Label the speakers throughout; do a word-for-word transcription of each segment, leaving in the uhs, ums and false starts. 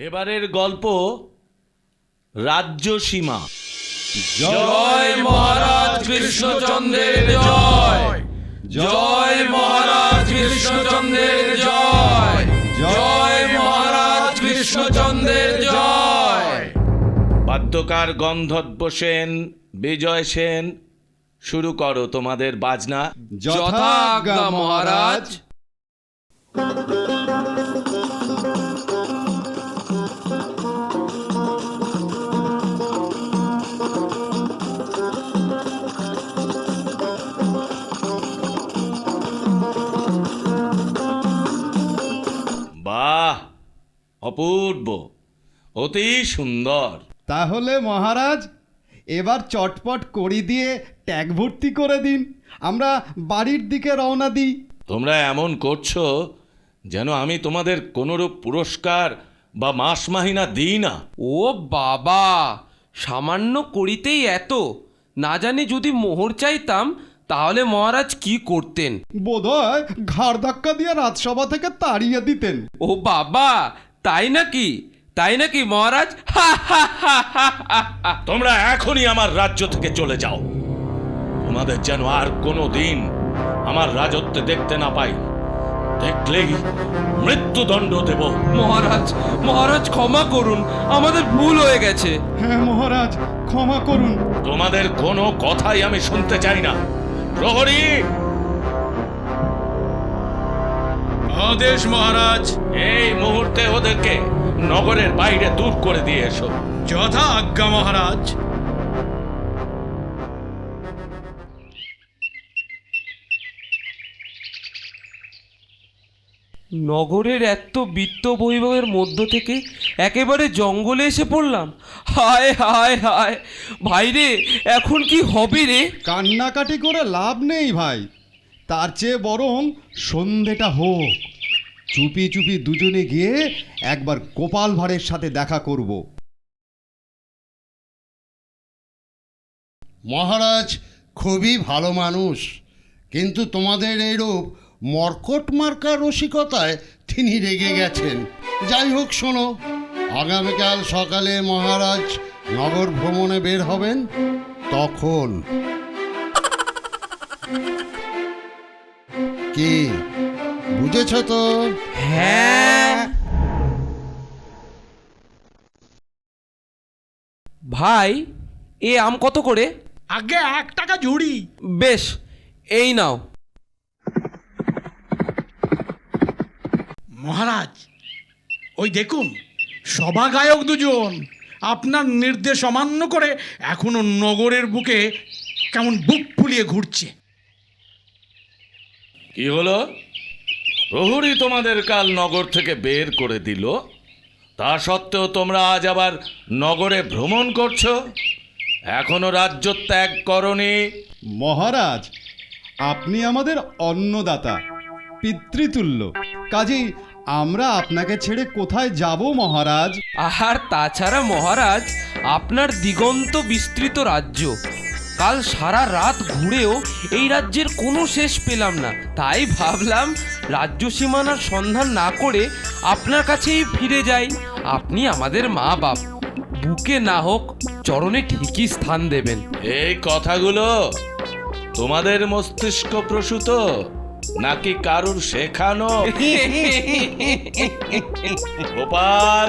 Speaker 1: এবারের গল্প রাজ্যসীমা।
Speaker 2: জয় মহারাজ কৃষ্ণচন্দ্রের জয়, জয় মহারাজ কৃষ্ণচন্দ্রের জয়, জয় মহারাজ কৃষ্ণচন্দ্রের জয়।
Speaker 1: বাদ্যকার গন্ধর্ব সেন, বিজয় সেন, শুরু করো তোমাদের বাজনা।
Speaker 2: যথাজ্ঞা মহারাজ।
Speaker 1: বাহ, অপূর্ব, অতি সুন্দর।
Speaker 3: তাহলে মহারাজ এবার চটপট করি দিয়ে ট্যাগ ভর্তি করে দিন, আমরা বাড়ির দিকে রওনা দিই।
Speaker 1: তোমরা এমন করছো যেন আমি তোমাদের কোনোরূপ পুরস্কার বা মাস মাহিনা দিই না।
Speaker 2: ও বাবা, সামান্য করিতেই এত? না জানি যদি মোহর চাইতাম তাহলে মহারাজ কি করতেন?
Speaker 3: বোধহয় ঘাড় ধাক্কা দিয়ে রাজসভা থেকে তাড়িয়ে দিতেন।
Speaker 2: ও বাবা, তাই নাকি? তাই নাকি মহারাজ? হা হা হা হা হা হা।
Speaker 1: তোমরা এখনই আমার রাজ্য থেকে চলে যাও। তোমাদের যেন আর কোনো দিন আমার রাজত্বে দেখতে না পাই। দেখলেই মৃত্যুদণ্ড দেব।
Speaker 2: মহারাজ, মহারাজ ক্ষমা করুন, আমাদের ভুল হয়ে গেছে।
Speaker 3: হ্যাঁ মহারাজ, ক্ষমা করুন।
Speaker 1: তোমাদের কোনো কথাই আমি শুনতে চাই না। প্রহরী,
Speaker 4: আদেশ মহারাজ।
Speaker 1: এই মুহূর্তে ওদেরকে নগরের বাইরে দূর করে দিয়ে এসো।
Speaker 4: যথা আজ্ঞা মহারাজ।
Speaker 2: নগরের এত বিত্ত বৈভবের মধ্য থেকে একেবারে জঙ্গলে এসে পড়লাম। হায় হায় হায়, ভাইরে এখন কি হবে রে?
Speaker 3: কান্নাকাটি করে লাভ নেই ভাই, তার চেয়ে বরং সন্ধেটা হোক। চুপি চুপি দুজনে গিয়ে একবার গোপাল ভাঁড়ের সাথে দেখা করব।
Speaker 5: মহারাজ খুবই ভালো মানুষ, কিন্তু তোমাদের এইরূপ মর্কট মার্কা রসিকতায় তিনি রেগে গেছেন। যাই হোক, শোনো, আগামীকাল সকালে মহারাজ নগর ভ্রমণে বের হবেন, তখন কি বুঝেছ তো?
Speaker 2: হ্যাঁ ভাই, এ আম কত করে?
Speaker 4: আগে এক টাকা ঝুড়ি।
Speaker 2: বেশ, এই নাও।
Speaker 4: মহারাজ, ওই দেখুন, সভা গায়ক দুজন আপনার নির্দেশ অমান্য করে এখনো নগরের বুকে কেমন বুক ফুলিয়ে ঘুরছে।
Speaker 1: কি হলো? প্রহরী তোমাদের কাল নগর থেকে বের করে দিল, তা সত্ত্বেও তোমরা আজ আবার নগরে ভ্রমণ করছো? এখনো রাজ্য ত্যাগ করনি?
Speaker 3: মহারাজ, আপনি আমাদের অন্নদাতা, পিতৃতুল্য, কাজেই আমরা আপনাকে ছেড়ে কোথায় যাব মহারাজ?
Speaker 2: আর তাছাড়া মহারাজ, আপনার দিগন্ত বিস্তৃত রাজ্য, কাল সারা রাত ঘুরেও এই রাজ্যের কোনো শেষ পেলাম না। তাই ভাবলাম রাজ্য সীমানার সন্ধান না করে আপনার কাছেই ফিরে যাই। আপনি আমাদের মা বাপ, বুকে না হোক চরণে ঠিকই স্থান দেবেন।
Speaker 1: এই কথাগুলো তোমাদের মস্তিষ্ক প্রসূত নাকি কারুর শেখানো? গোপাল,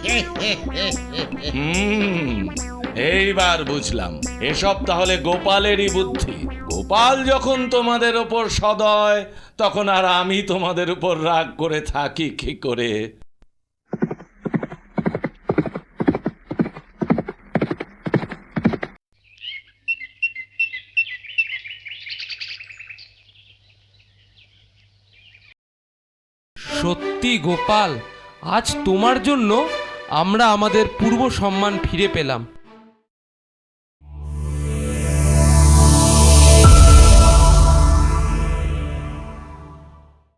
Speaker 1: হুম, এইবার বুঝলাম, এসব তাহলে গোপালেরই বুদ্ধি। গোপাল যখন তোমাদের ওপর সদয়, তখন আর আমি তোমাদের উপর রাগ করে থাকি কি করে?
Speaker 2: সত্যি গোপাল, আজ তোমার জন্য আমরা আমাদের পূর্ব সম্মান ফিরে পেলাম।